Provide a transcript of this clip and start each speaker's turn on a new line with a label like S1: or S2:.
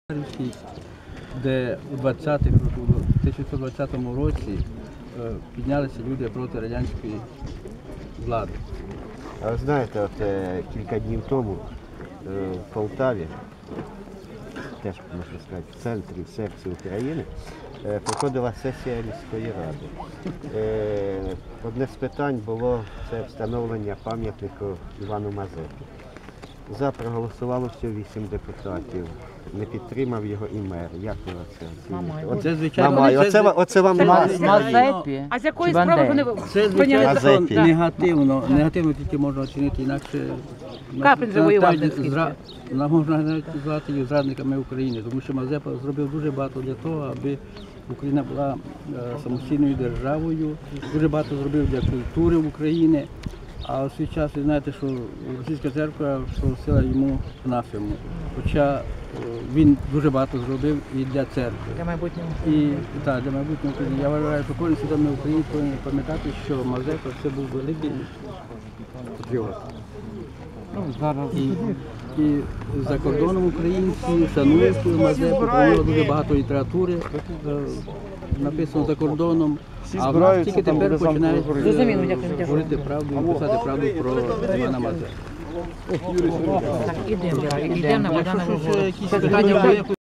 S1: де у 1920 році піднялися люди проти радянської влади.
S2: А ви знаєте, от кілька днів тому в Полтаві, теж, можна сказати, в центрі, в серці України, проходила сесія міської ради. Одне з питань було це встановлення пам'ятнику Івану Мазепі. За проголосувало всього 8 депутатів. Не підтримав його і мер. Як ви це оцінюєте?
S1: Це, звичайно,
S2: Оце вам
S3: Мазепі?
S4: А з якої справи вони
S1: це,
S4: прийняли закон?
S2: Мазепі.
S1: Негативно тільки можна оцінити, інакше
S4: Каплін завоював
S1: можна навіть назвати їх зрадниками України, тому що Мазепа зробив дуже багато для того, аби Україна була самостійною державою, дуже багато зробив для культури України. А у свій час ви знаєте, що російська церква просила йому анафему. Хоча він дуже багато зробив і для церкви.
S4: Для майбутнього.
S1: Так, для майбутнього України. Я вважаю, що кожен свідомий українець повинен пам'ятати, що Мазепа це був великий патріот. І за кордоном українці шанують Мазепу, про нього дуже багато літератури написано за кордоном. А в нас тільки тепер починають говорити правду і писати правду про Івана Мазепу.
S4: Так, ідемо на Богдана.
S1: Якщо щось, якісь питання